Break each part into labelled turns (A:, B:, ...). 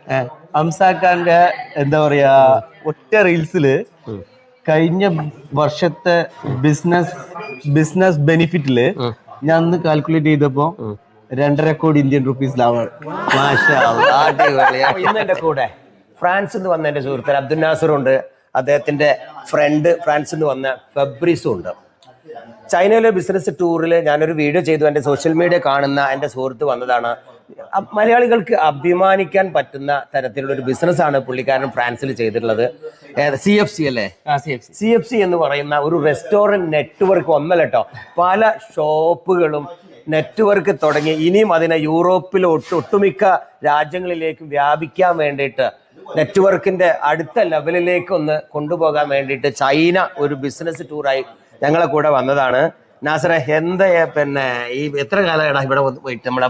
A: അംസാഖാന്റെ എന്താ പറയാ ഒറ്റ റീൽസില് കഴിഞ്ഞ വർഷത്തെ ബിസിനസ് ബെനിഫിറ്റില് ഞാൻ അന്ന് കാൽക്കുലേറ്റ് ചെയ്തപ്പോ 2.5 കോടി ഇന്ത്യൻ റുപ്പീസ് ലാഭമാണ്.
B: ഇന്ന് എന്റെ കൂടെ ഫ്രാൻസിൽ നിന്ന് വന്ന എന്റെ സുഹൃത്ത് അബ്ദുൽ നാസറും ഉണ്ട്. അദ്ദേഹത്തിന്റെ ഫ്രണ്ട് ഫ്രാൻസിൽ നിന്ന് വന്ന ഫെബ്രീസും ഉണ്ട്. ചൈനയിലെ ബിസിനസ് ടൂറിൽ ഞാനൊരു വീഡിയോ ചെയ്തു. എൻ്റെ സോഷ്യൽ മീഡിയ കാണുന്ന എൻ്റെ സുഹൃത്ത് വന്നതാണ്. മലയാളികൾക്ക് അഭിമാനിക്കാൻ പറ്റുന്ന തരത്തിലുള്ള ഒരു ബിസിനസ്സാണ് പുള്ളിക്കാരൻ ഫ്രാൻസിൽ ചെയ്തിട്ടുള്ളത്. CFC അല്ലേ? CFC എന്ന് പറയുന്ന ഒരു റെസ്റ്റോറൻറ്റ് നെറ്റ്വർക്ക് ഒന്നല്ല കേട്ടോ, പല ഷോപ്പുകളും നെറ്റ്വർക്ക് തുടങ്ങി ഇനിയും അതിനെ യൂറോപ്പിൽ ഒട്ടുമിക്ക രാജ്യങ്ങളിലേക്കും വ്യാപിക്കാൻ വേണ്ടിയിട്ട് നെറ്റ്വർക്കിന്റെ അടുത്ത ലെവലിലേക്ക് ഒന്ന് കൊണ്ടുപോകാൻ വേണ്ടിയിട്ട് ചൈന ഒരു ബിസിനസ് ടൂറായി ഞങ്ങളെ കൂടെ വന്നതാണ്. നാസറെ, എന്താ പിന്നെ ഈ എത്ര കാലമാണ് ഇവിടെ പോയിട്ട് നമ്മുടെ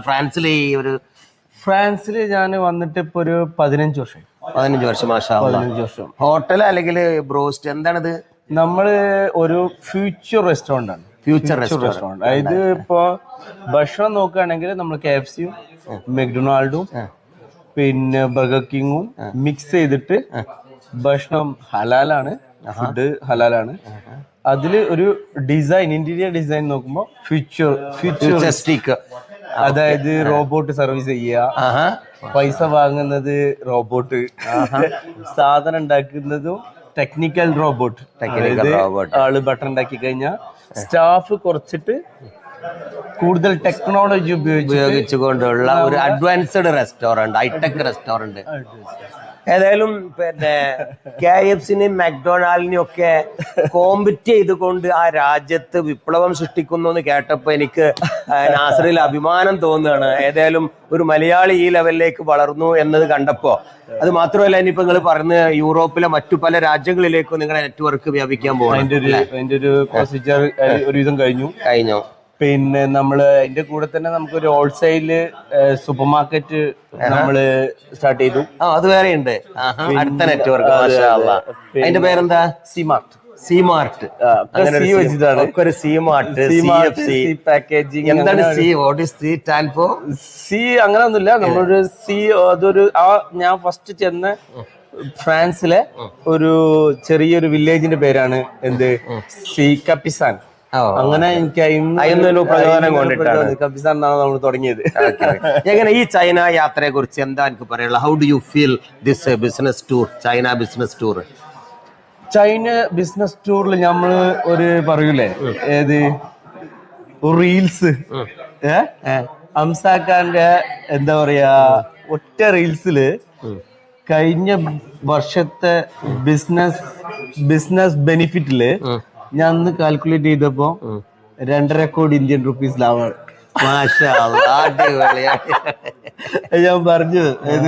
A: ഫ്രാൻസിൽ ഞാൻ വന്നിട്ട് ഇപ്പൊ ഒരു 15 വർഷം.
B: 15 വർഷം. മാഷാ അല്ലാഹ്. 15 വർഷം. ഹോട്ടൽ അല്ലെങ്കിൽ ബ്രോസ്റ്റ് എന്താണിത്?
A: നമ്മള് ഒരു ഫ്യൂച്ചർ റെസ്റ്റോറന്റ് ആണ്. ഫ്യൂച്ചർ റെസ്റ്റോറന്റ് അതായത് ഇപ്പൊ ഭക്ഷണം നോക്കുകയാണെങ്കിൽ നമ്മൾ KFCയും മെക്ഡൊണാൾഡും പിന്നെ ബർഗർ കിങ്ങും മിക്സ് ചെയ്തിട്ട് ഭക്ഷണം ഹലാലാണ്, ഫുഡ് ഹലാലാണ്. അതില് ഒരു ഡിസൈൻ, ഇന്റീരിയർ ഡിസൈൻ നോക്കുമ്പോ ഫ്യൂച്ചറിസ്റ്റിക്, അതായത് റോബോട്ട് സർവീസ് ചെയ്യുക, പൈസ വാങ്ങുന്നത് റോബോട്ട്, സാധനം ഉണ്ടാക്കുന്നതും ടെക്നിക്കൽ റോബോട്ട്. ആള് ബട്ടൺ ഉണ്ടാക്കി കഴിഞ്ഞാൽ സ്റ്റാഫ് കുറച്ചിട്ട് കൂടുതൽ ടെക്നോളജി
B: ഉപയോഗിച്ചുകൊണ്ടുള്ള ഒരു അഡ്വാൻസ്ഡ് റെസ്റ്റോറന്റ്, ഹൈടെക് റെസ്റ്റോറന്റ്. ഏതായാലും പിന്നെ KFCനെയും മെക്ഡൊണാൾഡിനെയും ഒക്കെ കോമ്പറ്റ് ചെയ്തുകൊണ്ട് ആ രാജ്യത്ത് വിപ്ലവം സൃഷ്ടിക്കുന്നു എന്ന് കേട്ടപ്പോൾ എനിക്ക് നാസറിൽ അഭിമാനം തോന്നുകയാണ്. ഏതായാലും ഒരു മലയാളി ഈ ലെവലിലേക്ക് വളർന്നു എന്നത് കണ്ടപ്പോ, അത് മാത്രമല്ല ഇനിയിപ്പോ നിങ്ങൾ പറഞ്ഞ് യൂറോപ്പിലെ മറ്റു പല രാജ്യങ്ങളിലേക്കും നിങ്ങളുടെ നെറ്റ്വർക്ക് വ്യാപിക്കാൻ പോകും.
A: അതിന്റെ ഒരു പ്രൊസീജിയർ ഒരുവിധം കഴിഞ്ഞു. പിന്നെ നമ്മള് അതിന്റെ കൂടെ തന്നെ നമുക്കൊരു ഹോൾസെയില് സൂപ്പർ മാർക്കറ്റ് നമ്മള് സ്റ്റാർട്ട് ചെയ്തു.
B: അത് വേറെ ഉണ്ട്, അടുത്ത നെറ്റ്വർക്ക്. അതിന്റെ പേരെന്താ? C-Mart.
A: പാക്കേജിംഗ്.
B: എന്താണ് C? What is C stand for?
A: C അങ്ങനൊന്നുമില്ല. നമ്മളൊരു അതൊരു ഞാൻ ഫസ്റ്റ് ചെന്ന ഫ്രാൻസിലെ ഒരു ചെറിയൊരു വില്ലേജിന്റെ പേരാണ് എന്ത്, കപ്പിസാൻ. അങ്ങനെ എനിക്ക്
B: പ്രചോദനം കൊണ്ടിട്ടാണ്
A: കപ്പിസാൻ എന്നാണ് നമ്മൾ തുടങ്ങിയത്.
B: എങ്ങനെ ഈ ചൈന യാത്രയെ കുറിച്ച് എന്താ എനിക്ക് പറയാനുള്ളത്? How do you feel this business tour, China business tour?
A: China business ടൂറിൽ നമ്മള് ഒരു പറയൂലേ, ഏത് റീൽസ് അംസാഖാന്റെ എന്താ പറയാ ഒറ്റ റീൽസില് കഴിഞ്ഞ വർഷത്തെ ബിസിനസ് ബെനിഫിറ്റില് ഞാൻ അന്ന് കാൽക്കുലേറ്റ് ചെയ്തപ്പോ 2.5 കോടി ഇന്ത്യൻ റുപ്പീസ് ലാഭമാണ്. ഞാൻ പറഞ്ഞു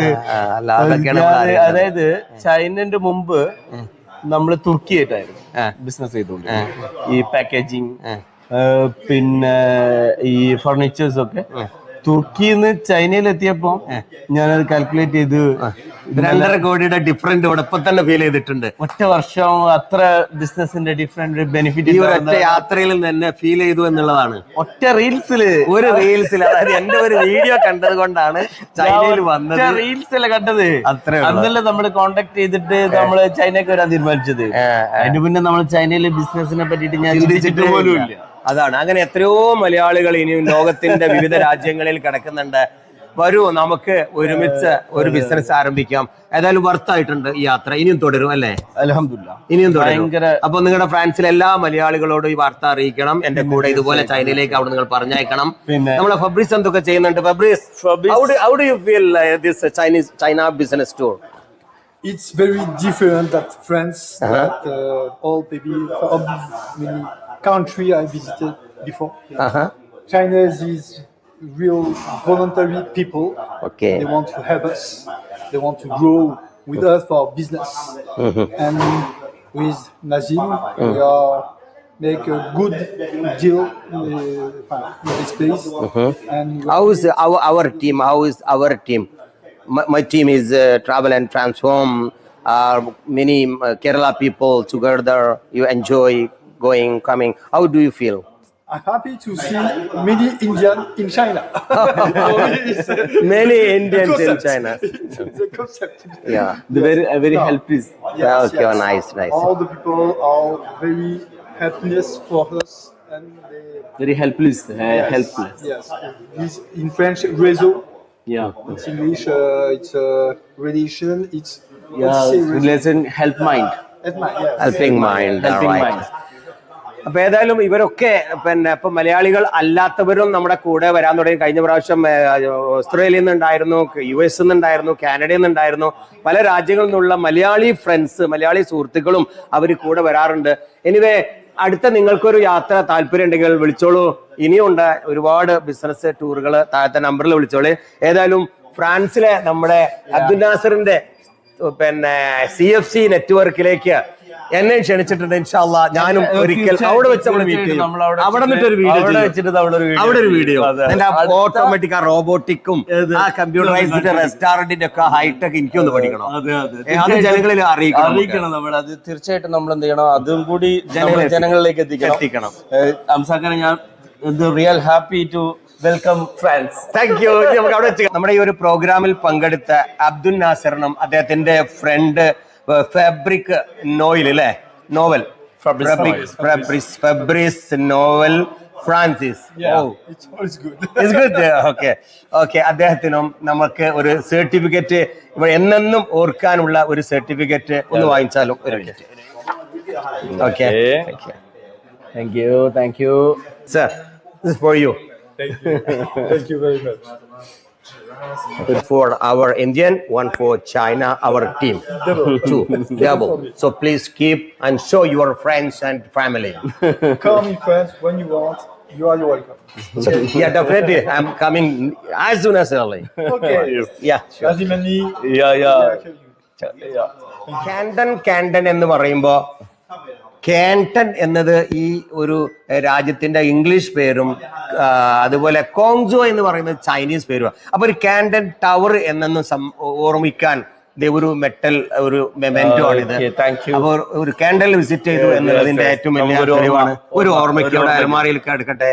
A: അതായത് ചൈനന്റെ മുമ്പ് നമ്മള് തുർക്കിയായിട്ടായിരുന്നു ബിസിനസ് ചെയ്തോണ്ട്, ഈ പാക്കേജിങ് പിന്നെ ഈ ഫർണിച്ചേഴ്സ് ഒക്കെ. തുർക്കിന്ന് ചൈനയിൽ എത്തിയപ്പോ ഞാനത് കാൽക്കുലേറ്റ് ചെയ്ത്
B: 2.5 കോടിയുടെ ഡിഫറൻറ്റ് ഇവിടെ ഇപ്പൊ തന്നെ ഫീൽ ചെയ്തിട്ടുണ്ട്.
A: ഒറ്റ വർഷം അത്ര ബിസിനസിന്റെ ഡിഫറെന്റ് ബെനിഫിറ്റ്
B: ഈ ഒറ്റ യാത്രയിൽ തന്നെ ഫീൽ ചെയ്തു എന്നുള്ളതാണ്.
A: ഒറ്റ റീൽസില്
B: അതായത് എന്റെ ഒരു വീഡിയോ കണ്ടത് കൊണ്ടാണ് ചൈനയിൽ വന്നത്.
A: റീൽസിലെ കണ്ടത് അന്നല്ലേ നമ്മള് കോണ്ടാക്ട് ചെയ്തിട്ട് നമ്മള് ചൈനക്ക് വരാൻ തീരുമാനിച്ചത്. അതിന് പിന്നെ നമ്മൾ ചൈനയിലെ ബിസിനസിനെ പറ്റിയിട്ട് ഞാൻ ചിന്തിച്ചിട്ട് പോലും ഇല്ല.
B: അതാണ്. അങ്ങനെ എത്രയോ മലയാളികൾ ഇനിയും ലോകത്തിന്റെ വിവിധ രാജ്യങ്ങളിൽ കിടക്കുന്നുണ്ട്. വരൂ, നമുക്ക് ഒരുമിച്ച് ഒരു ബിസിനസ് ആരംഭിക്കാം. ഏതായാലും വർത്തായിട്ടുണ്ട് ഈ യാത്ര. ഇനിയും തുടരും അല്ലേ?
A: അൽഹംദുലില്ലാഹ്,
B: ഇനിയും തുടരും. അപ്പൊ നിങ്ങളുടെ ഫ്രാൻസിലെ എല്ലാ മലയാളികളോടും ഈ വാർത്ത അറിയിക്കണം. എന്റെ കൂടെ ഇതുപോലെ ചൈനയിലേക്ക് അവിടെ നിങ്ങൾ പറഞ്ഞയക്കണം. നമ്മളെ ഫബ്രീസ് എന്തൊക്കെ ചെയ്യുന്നുണ്ട്? ഫബ്രീസ്, how do you feel this China business tour?
C: It's very different than France. That all many country I visited before. China is real voluntary people.
B: Okay.
C: They want to help us. They want to grow with us for business. And with Nazim, we are make a good deal in this place. And
B: how is our team? How is our team? My team is Travel and Transform. Many Kerala people together. You enjoy going, coming. How do you feel?
C: I'm happy to see many Indians in China.
B: Many Indians in
C: concept.
B: China.
C: The concept.
B: Yeah.
A: The very helpless.
B: Okay, nice.
C: All the people are very happiness for us, and they.
A: Very helpless. Helpless.
C: Yes. This in French, réseau.
A: Yeah.
C: In English, it's relation. It's
A: Yeah.
C: let's say
A: Relation help mind.
B: Helping mind.
A: Helping
B: Right.
A: mind.
B: അപ്പൊ ഏതായാലും ഇവരൊക്കെ പിന്നെ ഇപ്പൊ മലയാളികൾ അല്ലാത്തവരും നമ്മുടെ കൂടെ വരാൻ തുടങ്ങി. കഴിഞ്ഞ പ്രാവശ്യം ഓസ്ട്രേലിയയിൽ നിന്നുണ്ടായിരുന്നു, US നിന്നുണ്ടായിരുന്നു, കാനഡയിൽ നിന്നുണ്ടായിരുന്നു, പല രാജ്യങ്ങളിൽ നിന്നുള്ള മലയാളി ഫ്രണ്ട്സ്, മലയാളി സുഹൃത്തുക്കളും അവർ കൂടെ വരാറുണ്ട്. എനിവേ അടുത്ത നിങ്ങൾക്കൊരു യാത്ര താല്പര്യം ഉണ്ടെങ്കിൽ വിളിച്ചോളൂ. ഇനിയുണ്ട് ഒരുപാട് ബിസിനസ് ടൂറുകൾ, താഴത്തെ നമ്പറിൽ വിളിച്ചോളൂ. ഏതായാലും ഫ്രാൻസിലെ നമ്മുടെ അബ്ദുൽ നാസറിന്റെ പിന്നെ CFC നെറ്റ്വർക്കിലേക്ക് എന്നെ ക്ഷണിച്ചിട്ടുണ്ട്. ഇൻഷാല്ലാ ഞാനും ഒരിക്കൽ അവിടെ വെച്ച് നമ്മൾ മീറ്റ് ചെയ്യും. അവിടെ നിന്നിട്ടൊരു വീഡിയോ ഓട്ടോമാറ്റിക്, ആ റോബോട്ടിക്കും ആ കമ്പ്യൂട്ടറൈസ്ഡ് റെസ്റ്റോറന്റിന്റെ ഒക്കെ ഹൈടെക് എനിക്കൊന്ന് പഠിക്കണം. അത് ജനങ്ങളിൽ അറിയിക്കണം.
A: നമ്മൾ അത് തീർച്ചയായിട്ടും നമ്മൾ എന്ത് ചെയ്യണം, അതും കൂടി ജനങ്ങളിലേക്ക് എത്തിക്കണം. അംസാക്കാനെ ഞാൻ real happy to welcome France.
B: Thank you. നമുക്ക് അവിടെ വെച്ച് നമ്മുടെ ഈ ഒരു പ്രോഗ്രാമിൽ പങ്കെടുത്ത അബ്ദുൽ നാസറിനും അദ്ദേഹത്തിന്റെ ഫ്രണ്ട് ഫാബ്രിക് നോയിൽ അല്ലേ, Noel Fabrice Noel Francis.
C: It's good.
B: It's good. Okay. അദ്ദേഹത്തിനും നമുക്ക് ഒരു സർട്ടിഫിക്കറ്റ് ഇവിടെ എന്നെന്നും ഓർക്കാനുള്ള ഒരു സർട്ടിഫിക്കറ്റ് ഒന്ന് വാങ്ങിച്ചാലും ഒരു minute. Okay,
A: thank you
B: sir. This is for you.
C: Thank you very much.
B: For our Indian, one for China, our team. Two. Double. So please keep and show your friends and family.
C: Come in France when you want. You are welcome.
B: Yeah, definitely. I'm coming as soon as early.
C: Okay.
B: Yeah, sure.
C: Lazimani.
B: Canton എന്ന് പറയുമ്പോ കാൻട്ടൺ എന്നത് ഈ ഒരു രാജ്യത്തിന്റെ English പേരും അതുപോലെ കോങ്ജോ എന്ന് പറയുന്നത് ചൈനീസ് പേരും. അപ്പൊ ഒരു കാൻട്ടൺ ടവർ എന്നൊന്നും ഓർമ്മിക്കാൻ ഒരു മെറ്റൽ ഒരു മെമെന്റോ ആണിത്. അപ്പൊ ഒരു കാൻഡൽ വിസിറ്റ് ചെയ്തു എന്നുള്ളതിന്റെ ഏറ്റവും വലിയ തെളിവാണ്. ഒരു ഓർമ്മയ്ക്ക് അവിടെ അലമാരയിൽ എടുക്കട്ടെ.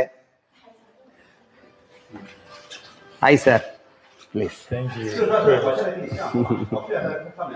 B: Hi sir, please.
C: Thank you.